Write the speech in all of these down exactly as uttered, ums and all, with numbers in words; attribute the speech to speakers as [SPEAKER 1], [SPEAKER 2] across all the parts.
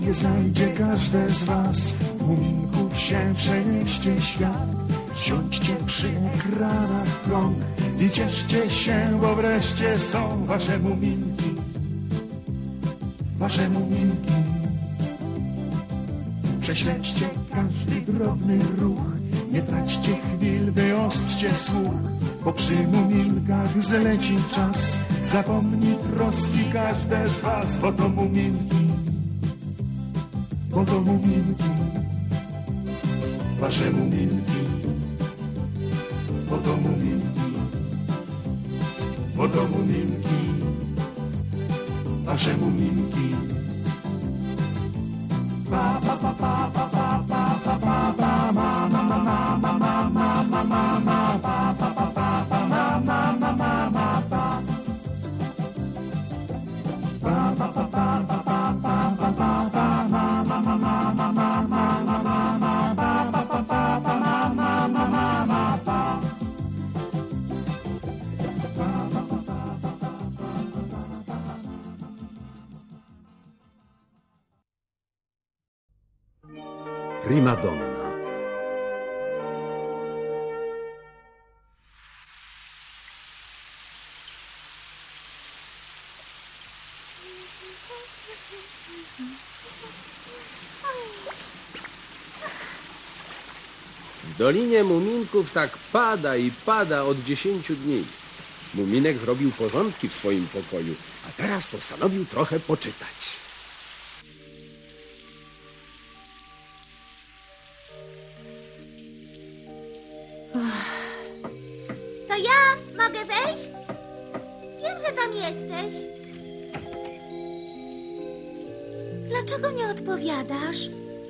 [SPEAKER 1] nie znajdzie każde z was. Muminków się przenieście świat. Siądźcie przy ekranach rąk i cieszcie się, bo wreszcie są wasze muminki. Wasze muminki. Prześledźcie każdy drobny ruch, nie traćcie chwil, wyostrzcie słuch, bo przy muminkach zleci czas. Zapomni troski każde z was, bo to muminki, bo to muminki, wasze muminki, bo to muminki, bo to muminki, wasze muminki. Pa pa pa pa pa pa pa pa pa pa ma ma ma ma ma ma ma ma ma ma pa pa pa pa pa ma ma ma ma ma pa pa pa pa pa pa pa pa pa pa pa ma ma ma ma ma ma ma ma ma ma pa pa pa pa pa ma ma ma ma ma pa.
[SPEAKER 2] Prima donna.
[SPEAKER 3] W Dolinie Muminków tak pada i pada od dziesięciu dni. Muminek zrobił porządki w swoim pokoju, a teraz postanowił trochę poczytać.
[SPEAKER 4] To ja mogę wejść? Wiem, że tam jesteś. Dlaczego nie odpowiadasz?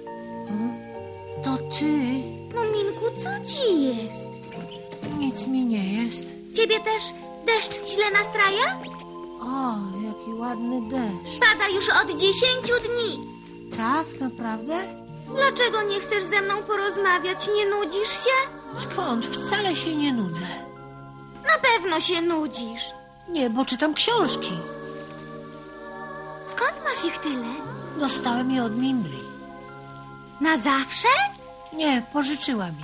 [SPEAKER 5] To ty?
[SPEAKER 4] Muminku, co ci jest?
[SPEAKER 5] Nic mi nie jest.
[SPEAKER 4] Ciebie też deszcz źle nastraja?
[SPEAKER 5] O, jaki ładny deszcz.
[SPEAKER 4] Pada już od dziesięciu dni.
[SPEAKER 5] Tak, naprawdę?
[SPEAKER 4] Dlaczego nie chcesz ze mną porozmawiać? Nie nudzisz się?
[SPEAKER 5] Skąd? Wcale się nie nudzę.
[SPEAKER 4] Na pewno się nudzisz.
[SPEAKER 5] Nie, bo czytam książki.
[SPEAKER 4] Skąd masz ich tyle?
[SPEAKER 5] Dostałem je od Mimbli.
[SPEAKER 4] Na zawsze?
[SPEAKER 5] Nie, pożyczyła mi.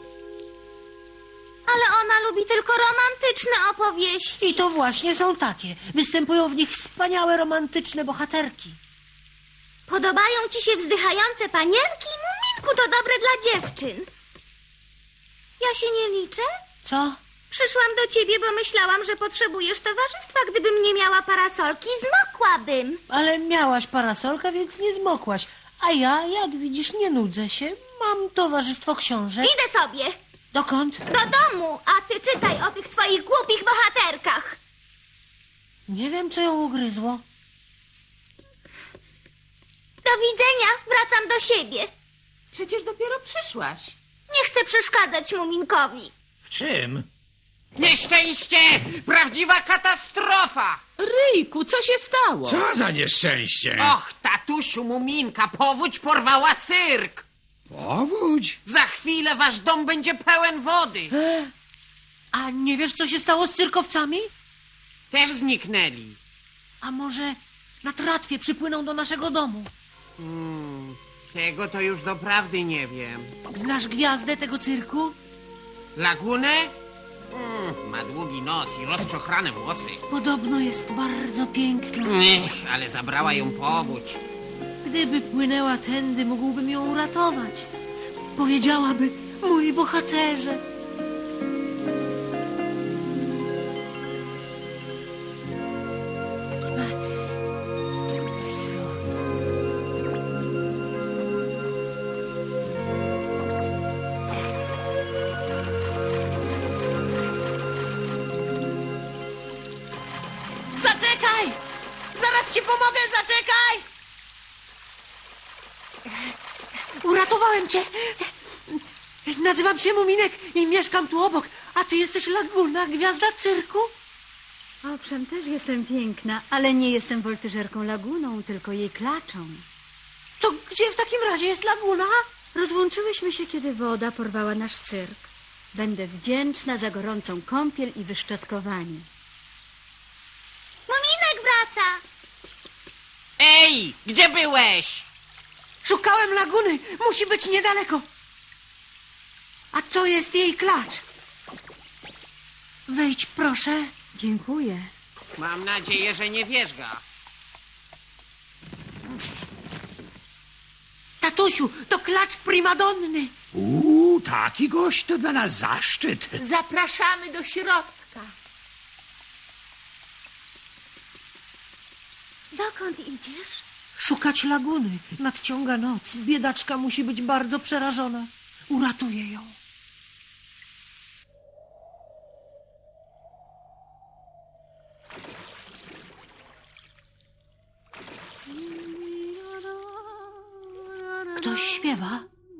[SPEAKER 4] Ale ona lubi tylko romantyczne opowieści.
[SPEAKER 5] I to właśnie są takie. Występują w nich wspaniałe, romantyczne bohaterki.
[SPEAKER 4] Podobają ci się wzdychające panienki? Muminku, to dobre dla dziewczyn. Ja się nie liczę?
[SPEAKER 5] Co?
[SPEAKER 4] Przyszłam do ciebie, bo myślałam, że potrzebujesz towarzystwa. Gdybym nie miała parasolki, zmokłabym.
[SPEAKER 5] Ale miałaś parasolkę, więc nie zmokłaś. A ja, jak widzisz, nie nudzę się. Mam towarzystwo książek.
[SPEAKER 4] Idę sobie.
[SPEAKER 5] Dokąd?
[SPEAKER 4] Do domu, a ty czytaj o tych swoich głupich bohaterkach.
[SPEAKER 5] Nie wiem, co ją ugryzło.
[SPEAKER 4] Do widzenia, wracam do siebie.
[SPEAKER 6] Przecież dopiero przyszłaś.
[SPEAKER 4] Nie chcę przeszkadzać Muminkowi.
[SPEAKER 7] W czym?
[SPEAKER 8] Nieszczęście! Prawdziwa katastrofa!
[SPEAKER 6] Ryjku, co się stało?
[SPEAKER 7] Co za nieszczęście?
[SPEAKER 8] Och, tatusiu Muminka, powódź porwała cyrk!
[SPEAKER 7] Powódź?
[SPEAKER 8] Za chwilę wasz dom będzie pełen wody.
[SPEAKER 5] A nie wiesz, co się stało z cyrkowcami?
[SPEAKER 8] Też zniknęli.
[SPEAKER 5] A może na tratwie przypłyną do naszego domu?
[SPEAKER 8] Hmm, tego to już doprawdy nie wiem.
[SPEAKER 5] Znasz gwiazdę tego cyrku?
[SPEAKER 8] Lagunę? Mm, ma długi nos i rozczochrane włosy.
[SPEAKER 5] Podobno jest bardzo piękna.
[SPEAKER 8] Ech, ale zabrała ją powódź.
[SPEAKER 5] Gdyby płynęła tędy, mógłbym ją uratować. Powiedziałaby, mój bohaterze. Zaczekaj! Zaraz ci pomogę, zaczekaj! Uratowałem cię! Nazywam się Muminek i mieszkam tu obok, a ty jesteś Laguna, gwiazda cyrku?
[SPEAKER 9] Owszem, też jestem piękna, ale nie jestem woltyżerką Laguną, tylko jej klaczą.
[SPEAKER 5] To gdzie w takim razie jest Laguna?
[SPEAKER 9] Rozłączyłyśmy się, kiedy woda porwała nasz cyrk. Będę wdzięczna za gorącą kąpiel i wyszczotkowanie.
[SPEAKER 4] Muminek wraca!
[SPEAKER 8] Ej, gdzie byłeś?
[SPEAKER 5] Szukałem laguny. Musi być niedaleko. A to jest jej klacz. Wejdź, proszę.
[SPEAKER 9] Dziękuję.
[SPEAKER 8] Mam nadzieję, że nie wierzga.
[SPEAKER 5] Tatusiu, to klacz primadonny.
[SPEAKER 7] Uuu, taki gość to dla nas zaszczyt.
[SPEAKER 6] Zapraszamy do środka.
[SPEAKER 4] Dokąd idziesz?
[SPEAKER 5] Szukać laguny. Nadciąga noc. Biedaczka musi być bardzo przerażona. Uratuję ją. Ktoś śpiewa.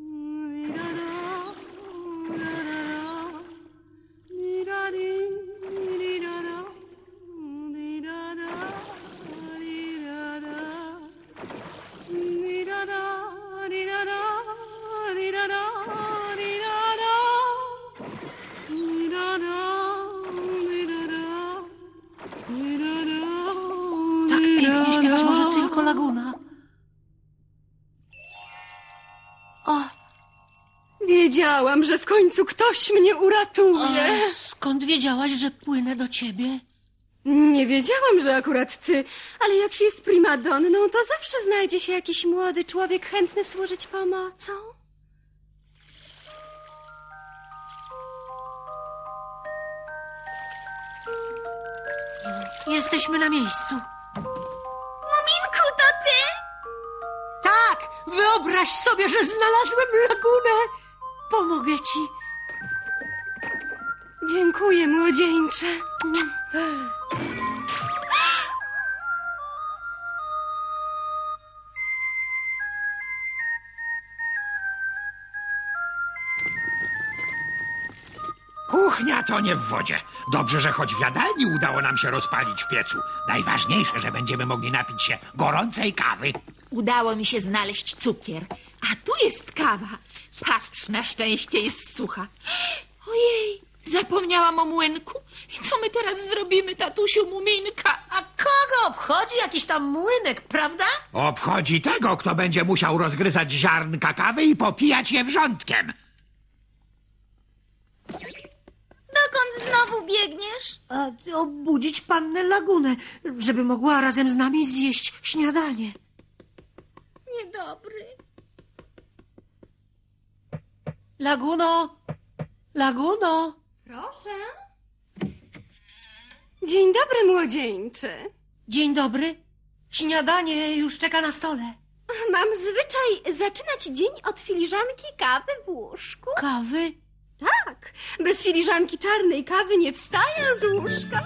[SPEAKER 5] Tak pięknie śpiewać może tylko laguna. O,
[SPEAKER 9] Wiedziałam, że w końcu ktoś mnie uratuje.
[SPEAKER 5] a skąd wiedziałaś, że płynę do ciebie?
[SPEAKER 9] Nie wiedziałam, że akurat ty, ale jak się jest primadonną, to zawsze znajdzie się jakiś młody człowiek chętny służyć pomocą.
[SPEAKER 5] Jesteśmy na miejscu.
[SPEAKER 4] Muminku, to ty?
[SPEAKER 5] Tak, wyobraź sobie, że znalazłem lagunę. Pomogę ci.
[SPEAKER 9] Dziękuję, młodzieńcze.
[SPEAKER 7] Kuchnia to nie w wodzie. Dobrze, że choć w jadalni udało nam się rozpalić w piecu. Najważniejsze, że będziemy mogli napić się gorącej kawy.
[SPEAKER 6] Udało mi się znaleźć cukier. A tu jest kawa. Patrz, na szczęście jest sucha. Ojej, zapomniałam o młynku. I co my teraz zrobimy, tatusiu Muminka?
[SPEAKER 5] A kogo obchodzi jakiś tam młynek, prawda?
[SPEAKER 7] Obchodzi tego, kto będzie musiał rozgryzać ziarnka kawy i popijać je wrzątkiem.
[SPEAKER 4] Dokąd znowu biegniesz?
[SPEAKER 5] A obudzić pannę lagunę, żeby mogła razem z nami zjeść śniadanie.
[SPEAKER 4] Niedobry.
[SPEAKER 5] Laguno! Laguno!
[SPEAKER 9] Proszę. Dzień dobry, młodzieńcze.
[SPEAKER 5] Dzień dobry. Śniadanie już czeka na stole.
[SPEAKER 9] Mam zwyczaj zaczynać dzień od filiżanki kawy w łóżku.
[SPEAKER 5] Kawy?
[SPEAKER 9] Tak, bez filiżanki czarnej kawy nie wstaję z łóżka.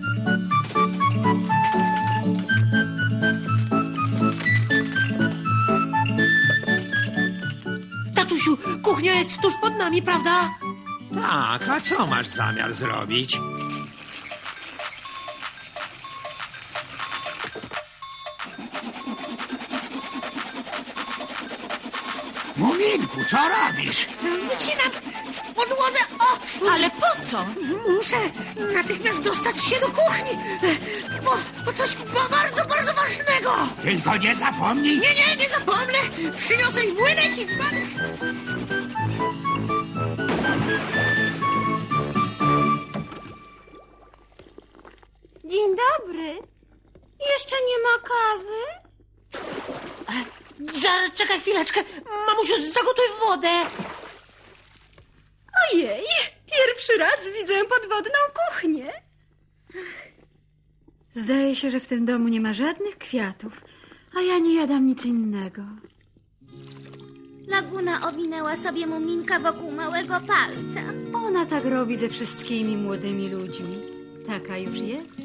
[SPEAKER 5] Tatusiu, kuchnia jest tuż pod nami, prawda?
[SPEAKER 7] Tak, a co masz zamiar zrobić? Muminku, co robisz?
[SPEAKER 5] Wycinam w podłodze otwór.
[SPEAKER 6] Ale po co?
[SPEAKER 5] Muszę natychmiast dostać się do kuchni. Po, po coś ba- bardzo, bardzo ważnego.
[SPEAKER 7] Tylko nie zapomnij...
[SPEAKER 5] Nie, nie, nie zapomnę. Przyniosę i młynek i dzbanek.
[SPEAKER 9] Dzień dobry. Jeszcze nie ma kawy?
[SPEAKER 5] Zaraz, czekaj chwileczkę. Mamusiu, zagotuj wodę.
[SPEAKER 9] Ojej, pierwszy raz widzę podwodną kuchnię. Zdaje się, że w tym domu nie ma żadnych kwiatów, a ja nie jadam nic innego.
[SPEAKER 4] Laguna owinęła sobie Muminka wokół małego palca.
[SPEAKER 9] Ona tak robi ze wszystkimi młodymi ludźmi. Taka już jest.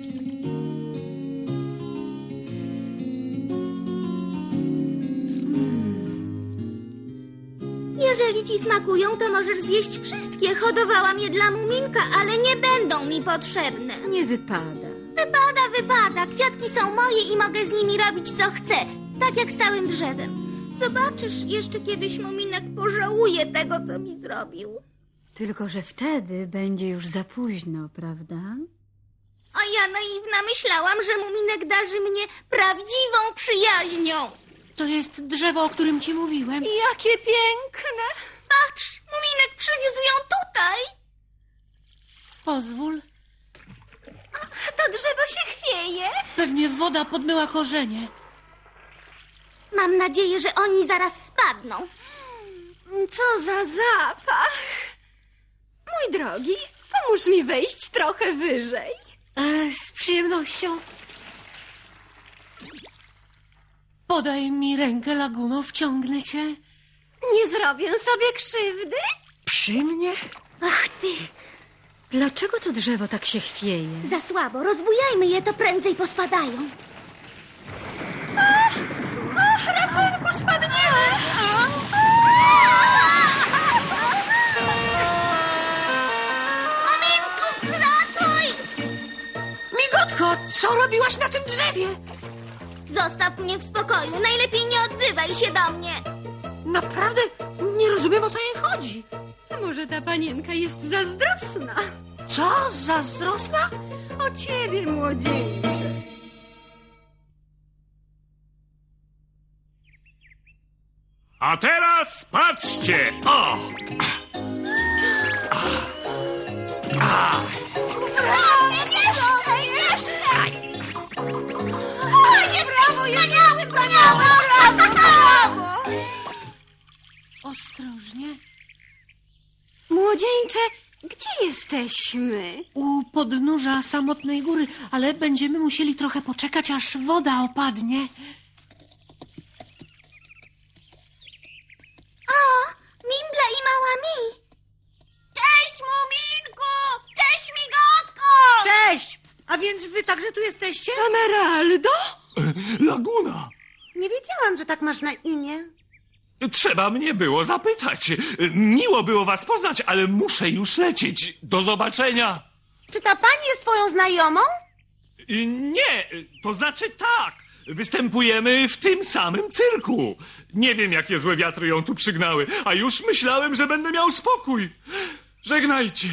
[SPEAKER 4] Jeżeli ci smakują, to możesz zjeść wszystkie. Hodowałam je dla Muminka, ale nie będą mi potrzebne.
[SPEAKER 9] Nie wypada.
[SPEAKER 4] Wypada, wypada. Kwiatki są moje i mogę z nimi robić, co chcę. Tak jak z całym drzewem. Zobaczysz, jeszcze kiedyś Muminek pożałuje tego, co mi zrobił.
[SPEAKER 9] Tylko że wtedy będzie już za późno, prawda?
[SPEAKER 4] A ja naiwna myślałam, że Muminek darzy mnie prawdziwą przyjaźnią.
[SPEAKER 5] To jest drzewo, o którym ci mówiłem.
[SPEAKER 9] Jakie piękne!
[SPEAKER 4] Patrz, Muminek przywiózł ją tutaj.
[SPEAKER 5] Pozwól.
[SPEAKER 9] To drzewo się chwieje.
[SPEAKER 5] Pewnie woda podmyła korzenie.
[SPEAKER 4] Mam nadzieję, że oni zaraz spadną.
[SPEAKER 9] Co za zapach! Mój drogi, pomóż mi wejść trochę wyżej.
[SPEAKER 5] E, z przyjemnością. Podaj mi rękę, Laguno, wciągnę cię.
[SPEAKER 9] Nie zrobię sobie krzywdy.
[SPEAKER 5] Przy mnie?
[SPEAKER 4] Ach ty,
[SPEAKER 9] Dlaczego to drzewo tak się chwieje?
[SPEAKER 4] za słabo. Rozbujajmy je, to prędzej pospadają.
[SPEAKER 9] Ratunku, spadniemy!
[SPEAKER 4] Muminku, ratuj!
[SPEAKER 5] Migotko, co robiłaś na tym drzewie?
[SPEAKER 4] Zostaw mnie w spokoju. Najlepiej nie odzywaj się do mnie.
[SPEAKER 5] Naprawdę nie rozumiem, o co jej chodzi.
[SPEAKER 9] Może ta panienka jest zazdrosna?
[SPEAKER 5] Co? Zazdrosna?
[SPEAKER 9] O ciebie, młodzieńcze.
[SPEAKER 10] A teraz patrzcie! O!
[SPEAKER 4] Cudownie, jeszcze, jeszcze! O, jest brawo, wspaniały, brawo, brawo, brawo!
[SPEAKER 5] Ostrożnie.
[SPEAKER 9] Młodzieńcze, gdzie jesteśmy?
[SPEAKER 5] U podnóża samotnej góry, ale będziemy musieli trochę poczekać, aż woda opadnie.
[SPEAKER 4] O, Mimbla i mała Mi. Cześć, Muminku! Cześć, Migotko!
[SPEAKER 5] Cześć! A więc wy także tu jesteście?
[SPEAKER 9] Emeraldo?
[SPEAKER 10] Laguna!
[SPEAKER 11] Nie wiedziałam, że tak masz na imię.
[SPEAKER 10] Trzeba mnie było zapytać. Miło było was poznać, ale muszę już lecieć. Do zobaczenia.
[SPEAKER 11] Czy ta pani jest twoją znajomą?
[SPEAKER 10] Y, Nie, to znaczy tak. Występujemy w tym samym cyrku. Nie wiem, jakie złe wiatry ją tu przygnały, a już myślałem, że będę miał spokój. Żegnajcie.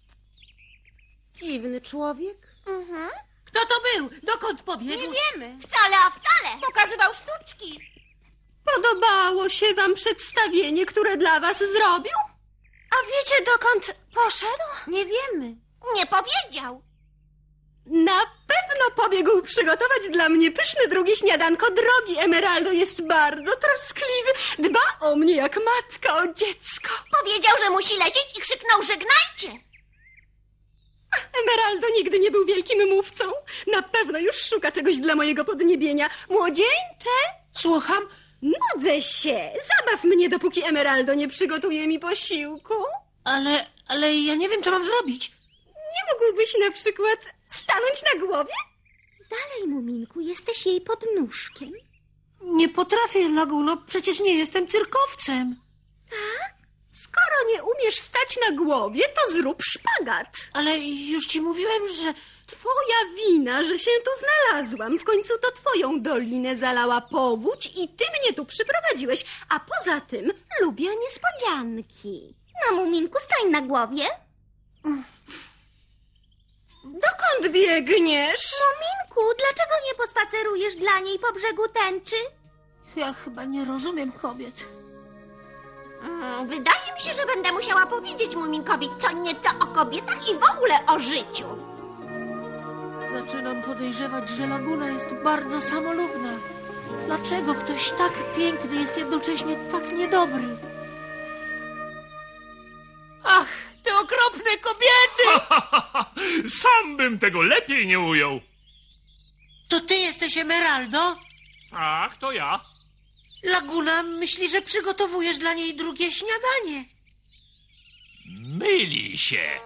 [SPEAKER 11] Dziwny człowiek.
[SPEAKER 4] Mhm.
[SPEAKER 5] Kto to był? Dokąd pobiegł?
[SPEAKER 11] Nie wiemy.
[SPEAKER 4] Wcale, a wcale.
[SPEAKER 11] Pokazywał sztuczki.
[SPEAKER 9] Podobało się wam przedstawienie, które dla was zrobił? A wiecie, dokąd poszedł?
[SPEAKER 11] Nie wiemy.
[SPEAKER 4] Nie powiedział.
[SPEAKER 9] Na pewno pobiegł przygotować dla mnie pyszne drugie śniadanko. Drogi Emeraldo jest bardzo troskliwy. Dba o mnie jak matka o dziecko.
[SPEAKER 4] Powiedział, że musi lecieć i krzyknął żegnajcie.
[SPEAKER 9] Emeraldo nigdy nie był wielkim mówcą. Na pewno już szuka czegoś dla mojego podniebienia. Młodzieńcze,
[SPEAKER 5] Słucham?
[SPEAKER 9] nudzę się. Zabaw mnie, dopóki Emeraldo nie przygotuje mi posiłku.
[SPEAKER 5] Ale, ale ja nie wiem, co mam zrobić.
[SPEAKER 9] Nie mógłbyś na przykład stanąć na głowie?
[SPEAKER 4] Dalej, Muminku, jesteś jej podnóżkiem.
[SPEAKER 5] Nie potrafię, Laguno, przecież nie jestem cyrkowcem.
[SPEAKER 9] Skoro nie umiesz stać na głowie, to zrób szpagat.
[SPEAKER 5] Ale już ci mówiłem, że...
[SPEAKER 9] Twoja wina, że się tu znalazłam. W końcu to twoją dolinę zalała powódź i ty mnie tu przyprowadziłeś. A poza tym lubię niespodzianki.
[SPEAKER 4] No, Muminku, stań na głowie.
[SPEAKER 9] Dokąd biegniesz?
[SPEAKER 4] Muminku, dlaczego nie pospacerujesz dla niej po brzegu tęczy?
[SPEAKER 5] Ja chyba nie rozumiem kobiet.
[SPEAKER 11] Mm, wydaje mi się, że będę musiała powiedzieć Muminkowi co nieco o kobietach i w ogóle o życiu.
[SPEAKER 5] Zaczynam podejrzewać, że Laguna jest bardzo samolubna. Dlaczego ktoś tak piękny jest jednocześnie tak niedobry? Ach, te okropne kobiety!
[SPEAKER 10] Sam bym tego lepiej nie ujął.
[SPEAKER 5] To ty jesteś Emeraldo?
[SPEAKER 10] Tak, to ja.
[SPEAKER 5] Laguna myśli, że przygotowujesz dla niej drugie śniadanie.
[SPEAKER 10] Myli się.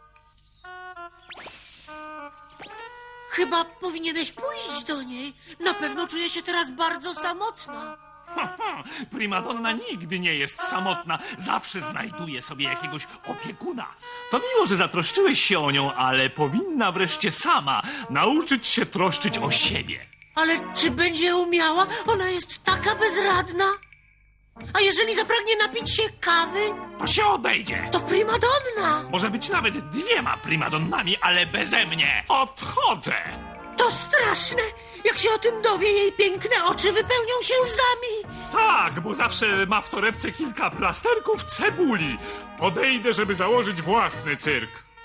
[SPEAKER 5] Chyba powinieneś pójść do niej. Na pewno czuje się teraz bardzo samotna.
[SPEAKER 10] Primadonna nigdy nie jest samotna. Zawsze znajduje sobie jakiegoś opiekuna. To miło, że zatroszczyłeś się o nią, ale powinna wreszcie sama nauczyć się troszczyć o siebie.
[SPEAKER 5] Ale czy będzie umiała? Ona jest taka bezradna. A jeżeli zapragnie napić się kawy,
[SPEAKER 10] To się obejdzie.
[SPEAKER 5] to primadonna.
[SPEAKER 10] Może być nawet dwiema primadonnami, ale beze mnie. Odchodzę.
[SPEAKER 5] To straszne! Jak się o tym dowie, jej piękne oczy wypełnią się łzami.
[SPEAKER 10] Tak, bo zawsze ma w torebce kilka plasterków cebuli. Odejdę, żeby założyć własny cyrk.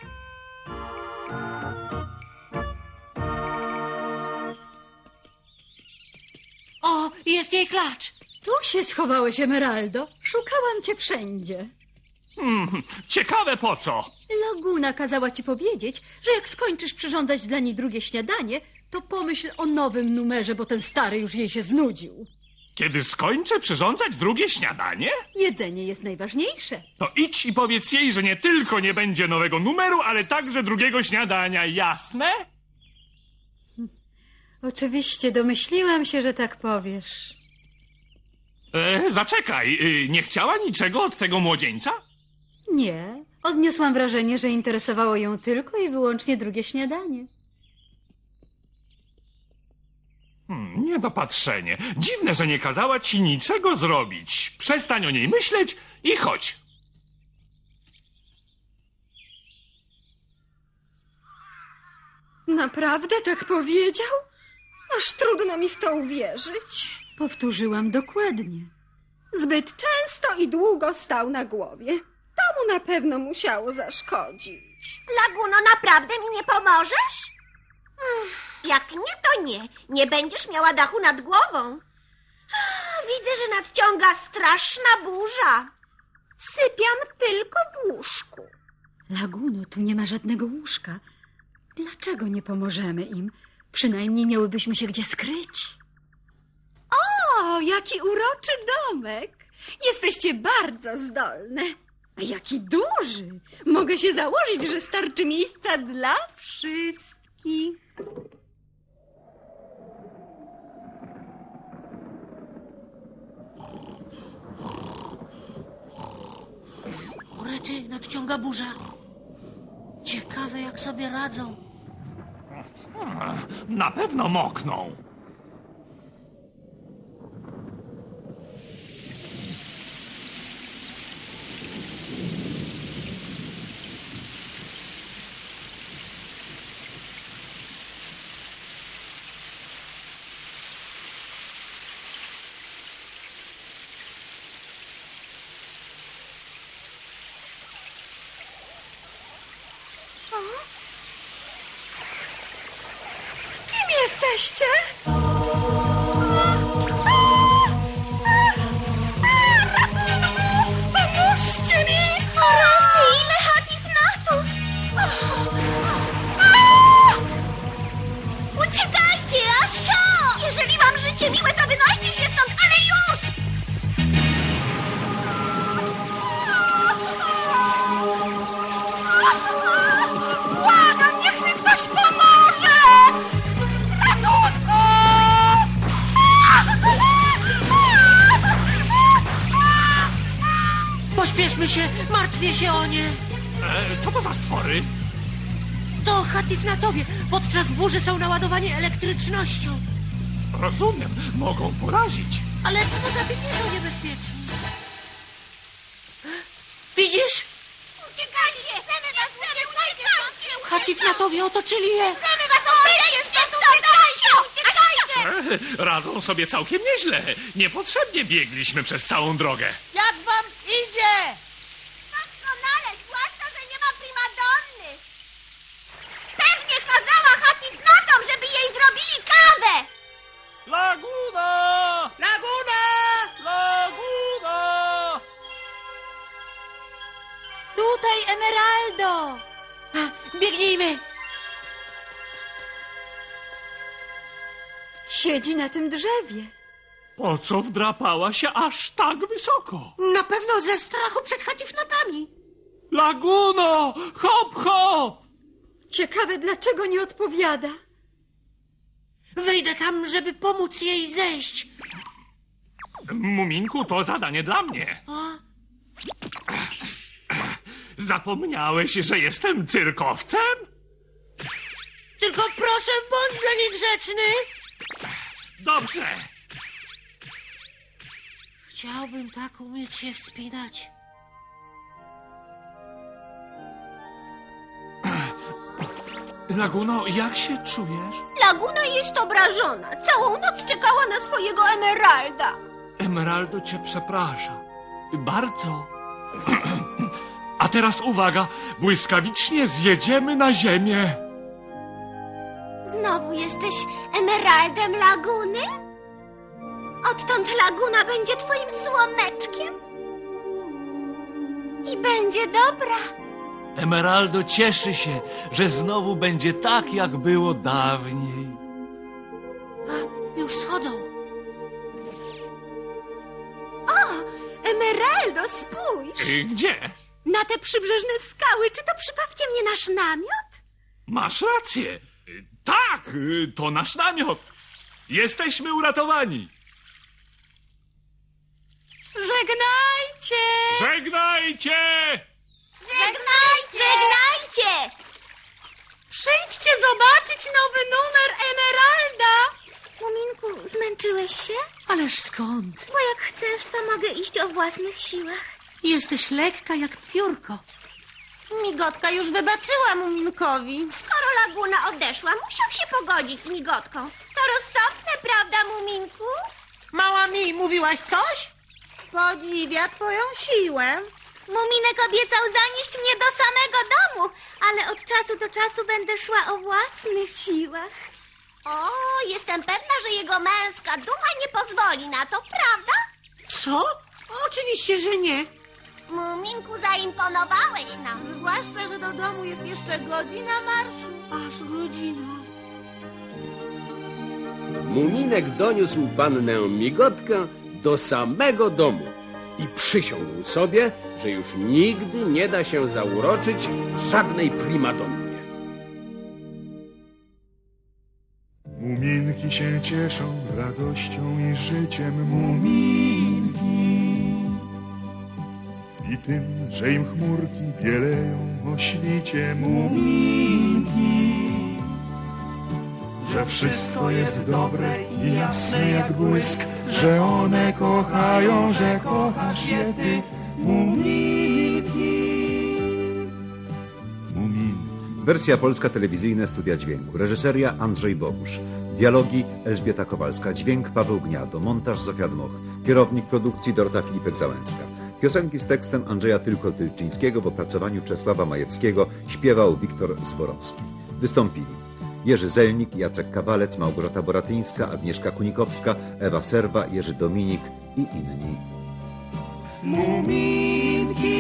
[SPEAKER 5] O, jest jej klacz.
[SPEAKER 12] Tu się schowałeś, Emeraldo. Szukałam cię wszędzie.
[SPEAKER 10] Hmm, ciekawe po co?
[SPEAKER 12] Laguna kazała ci powiedzieć, że jak skończysz przyrządzać dla niej drugie śniadanie, to pomyśl o nowym numerze, bo ten stary już jej się znudził.
[SPEAKER 10] Kiedy skończę przyrządzać drugie śniadanie?
[SPEAKER 12] Jedzenie jest najważniejsze.
[SPEAKER 10] To idź i powiedz jej, że nie tylko nie będzie nowego numeru, ale także drugiego śniadania, jasne?
[SPEAKER 12] Oczywiście, domyśliłam się, że tak powiesz.
[SPEAKER 10] E, zaczekaj, y, nie chciała niczego od tego młodzieńca?
[SPEAKER 12] Nie, odniosłam wrażenie, że interesowało ją tylko i wyłącznie drugie śniadanie.
[SPEAKER 10] Hmm, niedopatrzenie. Dziwne, że nie kazała ci niczego zrobić. Przestań o niej myśleć i chodź.
[SPEAKER 9] Naprawdę tak powiedział? Aż trudno mi w to uwierzyć.
[SPEAKER 12] Powtórzyłam dokładnie.
[SPEAKER 9] Zbyt często i długo stał na głowie. To mu na pewno musiało zaszkodzić.
[SPEAKER 11] Laguno, naprawdę mi nie pomożesz? Jak nie, to nie. Nie będziesz miała dachu nad głową. Widzę, że nadciąga straszna burza.
[SPEAKER 9] Sypiam tylko w łóżku.
[SPEAKER 12] Laguno, tu nie ma żadnego łóżka. Dlaczego nie pomożemy im? Przynajmniej miałybyśmy się gdzie skryć.
[SPEAKER 9] O, jaki uroczy domek. Jesteście bardzo zdolne. A jaki duży. Mogę się założyć, że starczy miejsca dla wszystkich.
[SPEAKER 5] Urety, nadciąga burza. Ciekawe, jak sobie radzą.
[SPEAKER 10] Na pewno mokną.
[SPEAKER 9] Kim jesteście? Ratunku! Pomóżcie mi!
[SPEAKER 4] Rety, ile hatifnatów! Uciekajcie, Asio!
[SPEAKER 11] Jeżeli wam życie miłe, to wynoście się stąd, ale już!
[SPEAKER 9] Błagam, niech mi ktoś pomoże! Ratunku!
[SPEAKER 5] Pośpieszmy się, martwię się o nie.
[SPEAKER 10] E, co to za stwory?
[SPEAKER 5] To hatifnatowie. Podczas burzy są naładowani elektrycznością.
[SPEAKER 10] Rozumiem, mogą porazić.
[SPEAKER 5] Ale poza tym nie są niebezpieczni. Widzisz?
[SPEAKER 11] Uciekajcie! Chcemy was, chcemy, uciekajcie!
[SPEAKER 5] Hatifnatowie otoczyli je.
[SPEAKER 11] Chcemy was, odejdźcie stąd! Asio, uciekajcie!
[SPEAKER 10] E, radzą sobie całkiem nieźle. Niepotrzebnie biegliśmy przez całą drogę.
[SPEAKER 5] Jak wam idzie?
[SPEAKER 11] Doskonale, zwłaszcza, że nie ma primadonny. Pewnie kazała hatifnatom, żeby jej zrobili kawę.
[SPEAKER 10] Laguna!
[SPEAKER 5] Laguna!
[SPEAKER 10] Laguna!
[SPEAKER 12] Tutaj, Emeraldo!
[SPEAKER 5] A, biegnijmy.
[SPEAKER 12] Siedzi na tym drzewie.
[SPEAKER 10] Po co wdrapała się aż tak wysoko?
[SPEAKER 5] Na pewno ze strachu przed hatifnatami.
[SPEAKER 10] Laguno! Hop, hop!
[SPEAKER 12] Ciekawe, dlaczego nie odpowiada.
[SPEAKER 5] Wejdę tam, żeby pomóc jej zejść.
[SPEAKER 10] Muminku, to zadanie dla mnie.
[SPEAKER 5] O,
[SPEAKER 10] Zapomniałeś, że jestem cyrkowcem?
[SPEAKER 5] tylko proszę, bądź dla niej grzeczny.
[SPEAKER 10] Dobrze.
[SPEAKER 5] Chciałbym tak umieć się wspinać.
[SPEAKER 10] Laguno, jak się czujesz?
[SPEAKER 11] Laguna jest obrażona. Całą noc czekała na swojego Emeralda.
[SPEAKER 10] Emeraldo cię przeprasza. Bardzo. A teraz uwaga, błyskawicznie zjedziemy na ziemię.
[SPEAKER 4] Znowu jesteś Emeraldem Laguny? Odtąd Laguna będzie twoim słoneczkiem? I będzie dobra.
[SPEAKER 10] Emeraldo cieszy się, że znowu będzie tak, jak było dawniej.
[SPEAKER 5] A, już schodzą.
[SPEAKER 9] O, Emeraldo, spójrz!
[SPEAKER 10] Y, Gdzie?
[SPEAKER 9] Na te przybrzeżne skały. Czy to przypadkiem nie nasz namiot?
[SPEAKER 10] Masz rację. Y, Tak, y, to nasz namiot. Jesteśmy uratowani.
[SPEAKER 9] Żegnajcie!
[SPEAKER 10] Żegnajcie!
[SPEAKER 11] Żegnajcie!
[SPEAKER 4] Żegnajcie!
[SPEAKER 9] Przyjdźcie zobaczyć nowy numer Emeralda!
[SPEAKER 4] Muminku, zmęczyłeś się?
[SPEAKER 5] Ależ skąd?
[SPEAKER 4] Bo jak chcesz, to mogę iść o własnych siłach.
[SPEAKER 5] Jesteś lekka jak piórko.
[SPEAKER 11] Migotka już wybaczyła Muminkowi. Skoro Laguna odeszła, musiał się pogodzić z Migotką. To rozsądne, prawda, Muminku?
[SPEAKER 5] Mała mi, mówiłaś coś?
[SPEAKER 11] Podziwia twoją siłę.
[SPEAKER 4] Muminek obiecał zanieść mnie do samego domu, ale od czasu do czasu będę szła o własnych siłach.
[SPEAKER 11] O, jestem pewna, że jego męska duma nie pozwoli na to, prawda?
[SPEAKER 5] Co? Oczywiście, że nie.
[SPEAKER 11] Muminku, zaimponowałeś nam. Zwłaszcza, że do domu jest jeszcze godzina marszu.
[SPEAKER 5] Aż godzina.
[SPEAKER 3] Muminek doniósł pannę Migotkę do samego domu i przysiągł sobie, że już nigdy nie da się zauroczyć żadnej primadonnie.
[SPEAKER 1] Muminki się cieszą radością i życiem, muminki. I tym, że im chmurki bieleją o świcie, muminki. Że wszystko jest dobre i jasne jak błysk, że one kochają, że kochasz je ty, muminki. Muminki.
[SPEAKER 2] Wersja polska, telewizyjne studia dźwięku. Reżyseria Andrzej Bogusz. Dialogi Elżbieta Kowalska. Dźwięk Paweł Gniado. Montaż Zofia Dmoch. Kierownik produkcji Dorota Filipek-Załęska. Piosenki z tekstem Andrzeja Tylko-Tylczyńskiego w opracowaniu Czesława Majewskiego. Śpiewał Wiktor Zborowski. Wystąpili Jerzy Zelnik, Jacek Kawalec, Małgorzata Boratyńska, Agnieszka Kunikowska, Ewa Serwa, Jerzy Dominik i inni.
[SPEAKER 1] Muminki.